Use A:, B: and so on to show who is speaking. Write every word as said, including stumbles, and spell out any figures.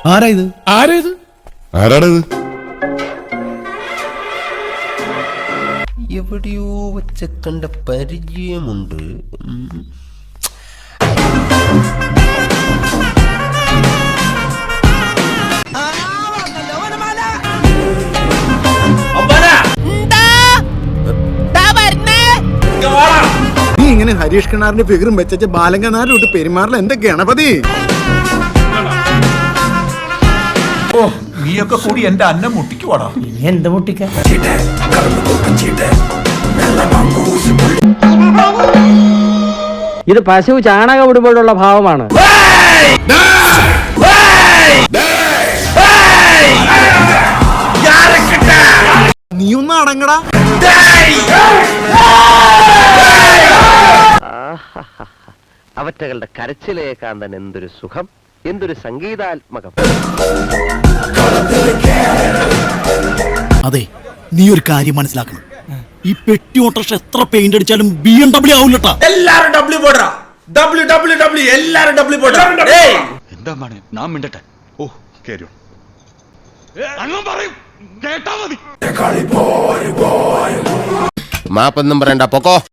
A: ആരാ ഇത്?
B: ആരാ ഇത്?
C: ആരാണിത്?
D: എവിടെയോ വെച്ച കണ്ട പരിചയമുണ്ട്.
A: നീ ഇങ്ങനെ ഹരീഷ് കിണാറിന്റെ ഫിഗറും വെച്ച ബാലങ്കനാരിലോട്ട് പെരുമാറില്ല എന്റെ ഗണപതി.
B: ഓ, നീയൊക്കെ കൂടി എന്റെ അന്നം മുട്ടിക്കുവാടാ.
E: എന്ത് മുട്ടിക്ക? ഇത് പശു ചാണകം ഇടുമ്പോഴുള്ള ഭാവമാണ്.
A: നീ ഒന്ന് അടങ്ങടാ.
F: അവറ്റകളുടെ കരച്ചിലേക്കാൻ തന്നെ എന്തൊരു സുഖം, എന്തൊരു സംഗീതാത്മകം.
G: അതെ, നീ ഒരു കാര്യം മനസ്സിലാക്കണം. ഈ പെട്ടി ഓട്ടോറിക്ഷ എത്ര പെയിന്റ് അടിച്ചാലും ബി എം ഡബ്ല്യൂ ആവില്ലട്ടാ.
B: എല്ലാരും ഡബ്ല്യൂ പോടാ. ഡബ്ല്യൂ ഡബ്ല്യൂ ഡബ്ല്യൂ എല്ലാരും ഡബ്ല്യൂ പോടാ.
C: എന്താ മോനെ നാം മിണ്ടട്ടെ. ഓ കേരോ അങ്ങ് പറയും കേട്ടാ മതി.
D: മാപ്പൊന്നും പറയണ്ട, പൊക്കോ.